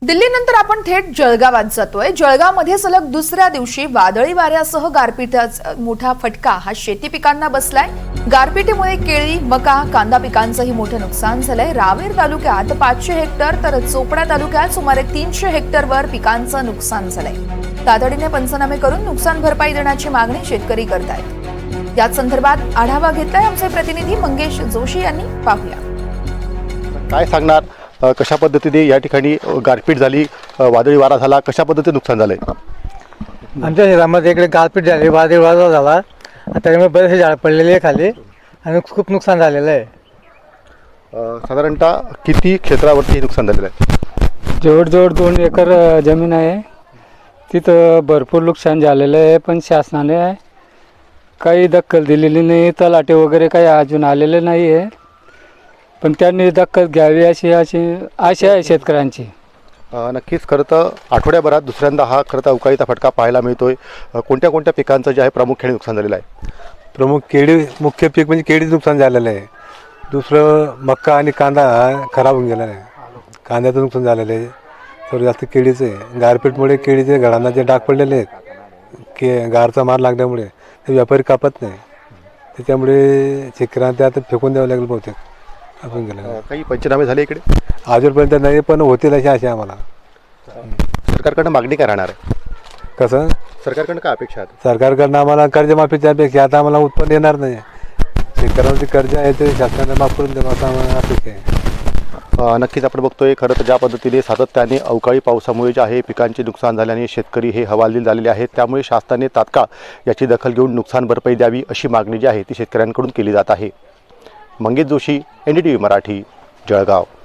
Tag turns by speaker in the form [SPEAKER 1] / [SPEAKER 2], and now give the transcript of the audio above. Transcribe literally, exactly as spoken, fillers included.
[SPEAKER 1] दिल्लीनंतर आपण थेट जळगावात जातोय। जळगावमध्ये सलग दुसऱ्या दिवशी वादळी वाऱ्यासह गारपिटीचा मोठा फटका हा शेती पिकांना बसलाय। गारपिटीमुळे केळी, मका, कांदा पिकांचंही मोठं नुकसान झालंय। रावेर तालुक्यात पाचशे हेक्टर तर चोपडा तालुक्यात सुमारे तीनशे हेक्टरवर पिकांचं नुकसान झालंय। तातडीने पंचनामे करून नुकसान भरपाई देण्याची मागणी शेतकरी करतायत। याच संदर्भात आढावा घेतलाय आमचे प्रतिनिधी मंगेश जोशी यांनी। पाहूया
[SPEAKER 2] काय सांगणार, कशा पद्धतीने या ठिकाणी गारपीट झाली, वादळी वारा झाला, कशा पद्धतीने नुकसान झालंय?
[SPEAKER 3] आमच्या शहरामध्ये इकडे गारपीट झाली, वादळी वारा झाला, त्यामुळे बरेचसे झाड पडलेले आहे खाली आणि खूप नुकसान झालेलं आहे।
[SPEAKER 2] साधारणतः किती क्षेत्रावरती नुकसान झालेलं आहे?
[SPEAKER 4] जवळजवळ दोन एकर जमीन आहे, तिथं भरपूर नुकसान झालेलं आहे। पण शासनाने काही दखल दिलेली नाही, तलाटे वगैरे काही अजून आलेले नाही आहे, पण त्यांनी दखल घ्यावी अशी अशी आशा आहे शेतकऱ्यांची।
[SPEAKER 2] नक्कीच खरं तर आठवड्याभरात दुसऱ्यांदा हा खरं तर अवकाळीचा फटका पाहायला मिळतोय। कोणत्या कोणत्या पिकांचं जे आहे प्रामुख्याने नुकसान झालेलं आहे?
[SPEAKER 5] प्रमुख केळी, मुख्य पीक म्हणजे केळीचं नुकसान झालेलं आहे। दुसरं मक्का आणि कांदा खराब होऊन गेलेला आहे, कांद्याचं नुकसान झालेलं आहे। सर्व जास्त केळीचं आहे। गारपीटमुळे केळीचे घडांना जे डाग पडलेले आहेत, के गारचा मार लागल्यामुळे ते व्यापारी कापत नाही, त्याच्यामुळे शेतकऱ्यांना ते आता फेकून द्यावं लागेल बहुतेक। आपण गेलं
[SPEAKER 2] काही पंचनामे झाले इकडे
[SPEAKER 5] अजूनपर्यंत नाही, पण होतील अशी आशा आम्हाला।
[SPEAKER 2] सरकारकडनं मागणी काय राहणार आहे?
[SPEAKER 5] कसं
[SPEAKER 2] सरकारकडनं काय अपेक्षा आहे?
[SPEAKER 5] सरकारकडनं आम्हाला कर्जमाफीच्या अपेक्षा, आता आम्हाला उत्पन्न येणार नाही, शेतकऱ्यांचे कर्ज आहे ते शासनाने माफ करून द्यावं असं आम्हाला अपेक्षा आहे।
[SPEAKER 2] नक्कीच आपण बघतोय खरं तर ज्या पद्धतीने सातत्याने अवकाळी पावसामुळे जे आहे पिकांचे नुकसान झाल्याने शेतकरी हे हवालदिल झालेले आहेत, त्यामुळे शासनाने तात्काळ याची दखल घेऊन नुकसान भरपाई द्यावी अशी मागणी जी आहे ती शेतकऱ्यांकडून केली जात आहे। Mangesh Joshi, N D T V Marathi, Jalgaon.